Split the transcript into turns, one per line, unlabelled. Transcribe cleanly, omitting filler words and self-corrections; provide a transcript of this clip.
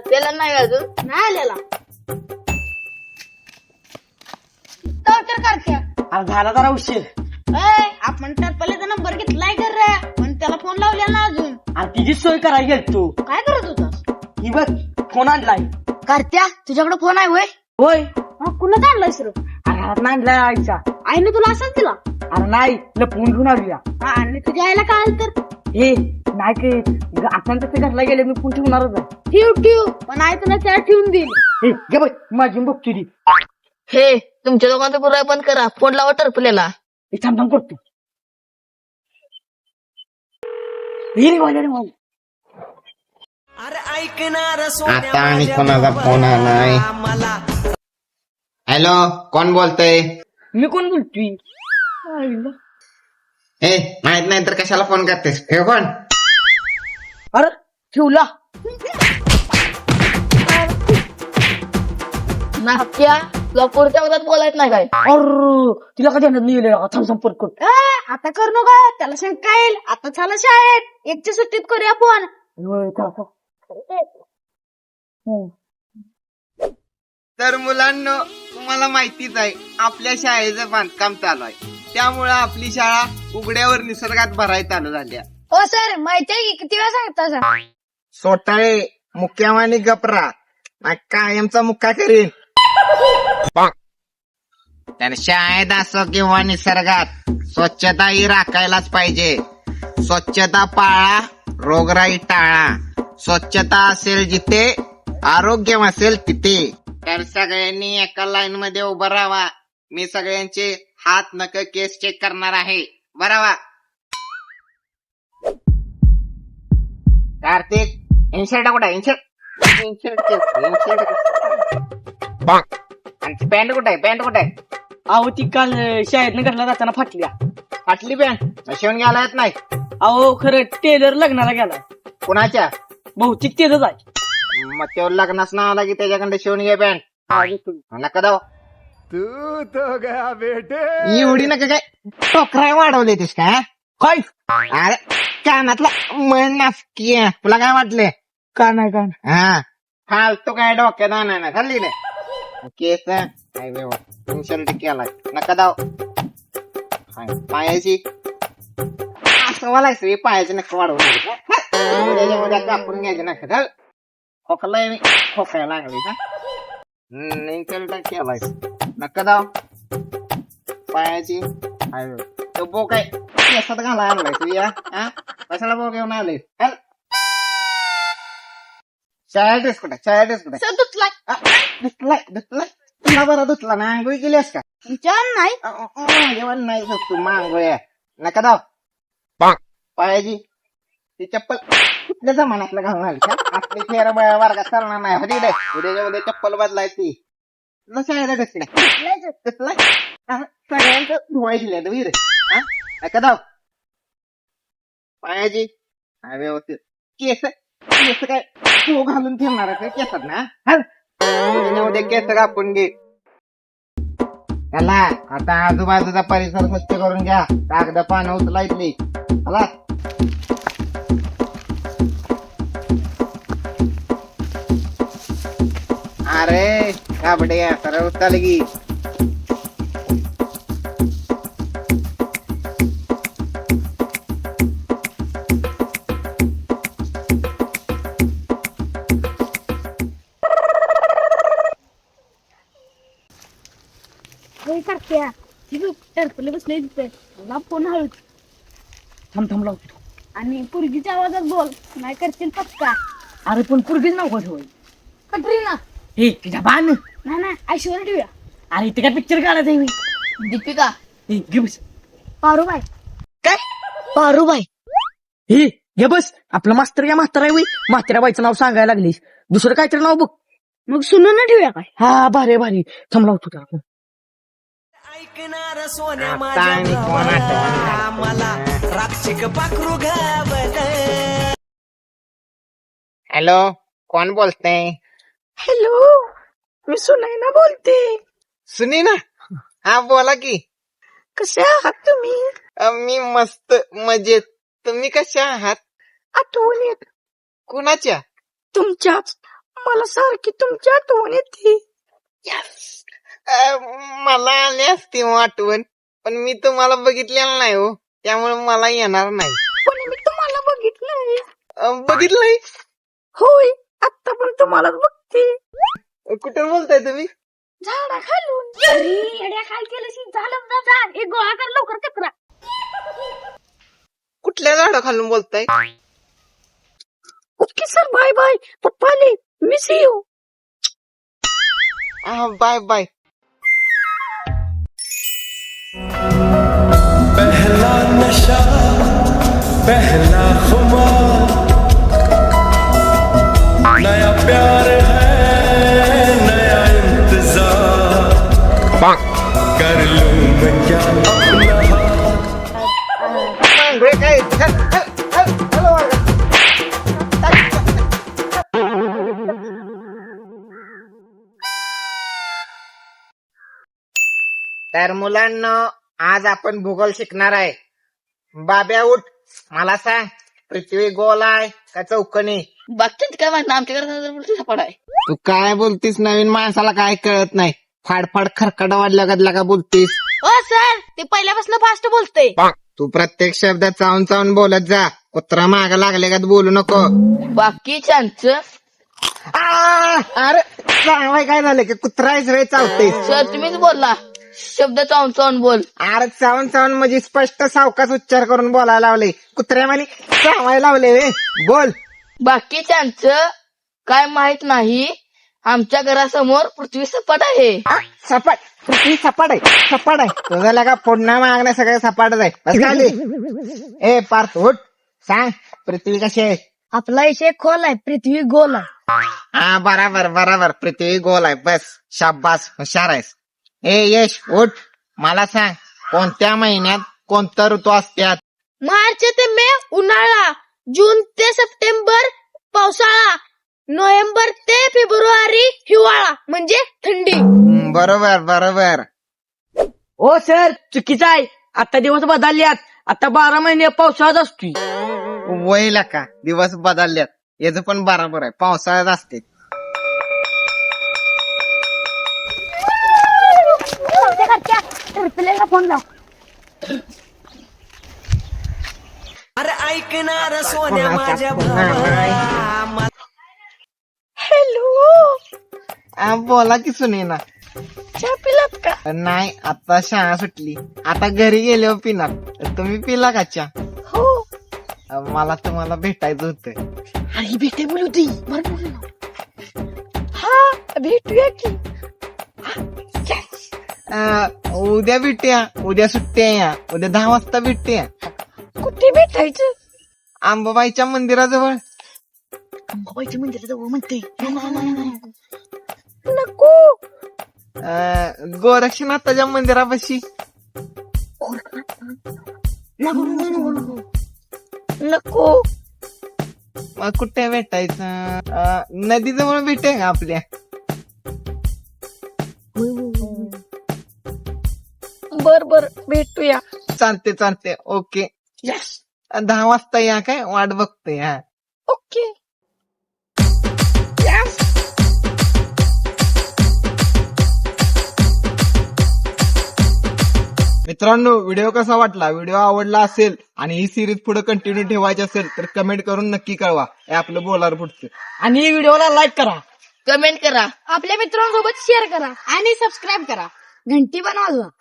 त्याला नाही अजून
नाही आलेला तर करत्या
अरे झाला जरा उशीर.
आपण टरपलेचा नंबर घेतलाय कर रे पण त्याला फोन लावलेला ना अजून.
अरे तिची सोय करायला गेल तू.
काय करत होतास?
ही बघ फोन आणलाय.
करत्या तुझ्याकडे फोन आहे होय?
होय.
कुणाच आणलायस रे?
अरे हात आणलाय आईचा.
आईने तुला असंच दिला?
अरे नाही लपवून घेऊन आलूया.
आणि तुझ्या आईला काय आलं तर?
हे नाही काय आपण तसं घरला गेले मी फोन ठेवणारच आहे.
ठेव पण आई तुला त्या ठेवून देईल.
हे घे बघ माझी बघ तुझी.
हे तुमच्या दोघांचा पुरा बंद करा. फोन लावा टरपलेला.
हे थांब थांब करतो. हे रे वाले रे वाले.
आता आणि कोणाचा फोन आलाय? हॅलो, कोण बोलतय?
मी कोण बोलतोय?
ए माहित नाही तर कशाला फोन करतेस? हे कोण?
अरे ठेवला.
नाक्या तुला पुढच्या वगैरे बोलायच नाही काय?
अरे तिला कधी लिहिले थांब संपर्क करतो.
आता कर नको त्याला शंका येईल. आता झालं शाळेत एकच्या सुट्टीत करूया फोन.
तर मुलांना तुम्हाला माहितीच आहे आपल्या शाळेचं बांधकाम चालू आहे. त्यामुळे आपली शाळा उघड्यावर निसर्गात भरायला चालू झाली.
हो सर माहिती आहे की किती वेळा सांगता सर?
सोटाळे मुक्यावानी गपरा कायमचा मुक्का करीन. तर शाळेत असो किंवा निसर्गात स्वच्छता ही राखायलाच पाहिजे. स्वच्छता पाळा, रोगराई टाळा. स्वच्छता असेल जिथे, आरोग्य असेल तिथे. तर सगळ्यांनी एका लाईन मध्ये उभं राहावा. मी सगळ्यांचे हात नख केस चेक करणार आहे. बरावा. कार्तिक इन्शर्ट कुठे? इन्शर्ट आणि पॅन्ट कुठे? पॅन्ट कुठे?
अहो ती काल शाळेतनं घरला जाताना फाटल्या.
फाटली पॅन्ट शिवून घ्यायला येत नाही.
अहो खरं टेलर लग्नाला गेलाय.
कुणाच्या?
बहुतेक तेच आहे.
मग तेव्हा लग्नाच नाव आला की त्याच्याकडे शिवून घे पॅन्ट. नका दाव
तू तो गया बेटे.
एवढी नका काय टोकराय वाढवले तेस का?
काय
अरे कानातला मन नासकी आहे. तुला काय वाटले?
का नाही का नाही.
हा फालतू काय डोक्यात आणा खाल्ली नाही केस इन्शर्ट केलाय. नका दाव पायाची असं वालायचं पायाची नका वाढवून त्याच्यामध्ये कापून घ्यायचे नका. खोकलाय मी खोकायला लागली का? इन्शर्ट केलाय. नका दाव पायाची तो बो काय केसात घाला आणलाय तू या कशाला बो घेऊन आले? शाळेतच कुठे? शाळेतच कुठे?
सर धुतलाय.
धुतलाय तुला बरं धुतला ना? आंघोळी केलीस का?
तुमच्या नाही
जेवण नाही तू मांगोया. नका दाव पायाची ती चप्पल कुठल्या जमान्यातलं घालून आली का? आपली फेर वर्गात चालणार नाही. होती रे उद्याच्या उद्या चप्पल बदलायची. शाळेला धुतलाय सगळ्यांचं धुवाय दिल्या वीर. नका दाव पायाची व्यवस्थित केस केस काय तू घालून ठेवणार का केसात ना? उद्या केस कापून घे. चला आता आजूबाजूचा परिसर स्वच्छ करून घ्या. कागद पानं उचलायची. चला अरे काबडे सरळ उचल की.
करत्या टरपले बसले तिथे मला फोन हळूच
थांब थांब लावतो.
आणि पुरगीच्या आवाजात बोल नाही करतील पक्का.
अरे पण पुरगीच नाव कसं होईल?
कटरीना
हे तुझ्या बाण.
नाही ऐश्वर्या ठेवूया.
अरे इथे काय पिक्चर काढायचं आहे?
दीपिका.
हे घे बस.
पारूबाई.
काय
पारूबाई?
हे घे बस. आपलं मास्तर या म्हातारा आहे. म्हाताऱ्या बाईचं नाव सांगायला लागलीस. दुसरं काहीतरी नाव बघ.
मग सुनून ठेवूया काय?
हा भारी भारी. थांब लावतो त्याला.
हॅलो कोण बोलतय?
हॅलो मी सुनैना बोलते.
सुनी ना? हा बोला की.
कसे आहात तुम्ही?
मी मस्त मजेत. तुम्ही कशा आहात?
आठवण येत
कुणाच्या?
तुमच्याच. मला सारखी तुमची आठवण येते.
मला आली असती मग आठवण, पण मी तुम्हाला बघितलेलं नाही हो, त्यामुळे मला येणार नाही.
पण मी तुम्हाला बघितलंय.
बघितलंय?
होय, आता पण तुम्हालाच बघते.
कुठे बोलताय तुम्ही?
झाडा खालून. अरे येड्या काय केलं झालं ना जा एक गोळा कर लवकर कचरा.
कुठल्या झाडा खालून बोलताय?
Okay sir, bye bye. पप्पा आले, मिस यू.
Bye bye.
पहला नशा पहला खुमार नया प्यार है नया इंतजार कर लूं मैं क्या अपना
तर मुलांना आज आपण भूगोल शिकणार आहे. बाब्या उठ, मला सांग, पृथ्वी गोल आहे का चौकोनी?
बाकीच काय माहित ना, आमच्याकडे सपाट आहे.
तू काय बोलतीस? नवीन माणसाला काय कळत नाही. फाडफाड खरकडा वाढल्या का बोलतीस?
ओ सर ते पहिल्यापासून फास्ट बोलते.
तू प्रत्येक शब्दात चावून चावून बोलत जा. कुत्रा माग लागले का बोलू नको.
बाकीच्यांचं
अरे चावाय काय झालं की कुत्राच वेळ चावतेस?
सर तुम्हीच बोलला, शब्द चावून चावून बोल.
अरे चावून चावून म्हणजे स्पष्ट सावकाश उच्चार करून बोलायला लावले. कुत्र्यावानी चावायला लावले वे. बोल.
बाकीच्यांचं काय माहित नाही, आमच्या घरासमोर पृथ्वी सपाट आहे.
सपाट? पृथ्वी सपाट आहे? सपाट आहे तुझा लगा फोडणं मागणं सगळं सपाटच आहे. बस खाली. ए पार्थ उठ, सांग पृथ्वी कशी आहे?
आपला विषय खोल आहे, पृथ्वी गोल आहे.
हा बराबर बराबर, पृथ्वी गोल आहे. बस शाबास, हुशार आहेस. ए यश उठ, मला सांग, कोणत्या महिन्यात कोणता ऋतू असतात?
मार्च ते मे उन्हाळा, जून ते सप्टेंबर पावसाळा, नोव्हेंबर ते फेब्रुवारी हिवाळा म्हणजे थंडी.
बरोबर बरोबर.
ओ सर, चुकीचं आहे. आता दिवस बदलल्यात. आता 12 महिने पावसाळ्यात असतोय.
वयला का दिवस बदलल्यात, याचं पण बरोबर आहे. पावसाळ्यात असते.
फोन लाव.
अरे ऐकणार सोन्या माझ्या भावा
बोला की सुने ना.
चहा पिलात का?
नाही, आता शाळा सुटली, आता घरी गेल्यावर पिणार. तुम्ही पिला का चहा?
हो.
मला तुम्हाला भेटायचं होतं.
अरे भेटे बोलू हा भेटूया की.
उद्या भेटूया. उद्या सुट्टी आहे या. उद्या 10 वाजता भेटूया.
कुठे भेटायचं?
अंबाबाईच्या मंदिराजवळ.
अंबाबाईच्या मंदिराजवळ म्हणते. नको.
गोरक्षनाथाच्या मंदिरापाशी.
नको.
मग कुठे भेटायचं? नदीजवळ भेटूया का आपल्या?
बर बर भेटूया.
चालते चालते. ओके. 10 वाजता या, काय वाट बघतोय. हा
ओके.
मित्रांनो, व्हिडिओ कसा वाटला? व्हिडिओ आवडला असेल आणि ही सिरीज पुढे कंटिन्यू ठेवायची असेल तर कमेंट करून नक्की कळवा. हे आपलं बोलार पुढचं.
आणि व्हिडिओला लाईक करा,
कमेंट करा,
आपल्या मित्रांसोबत शेअर करा आणि सबस्क्राईब करा. घंटी पण वाजवा.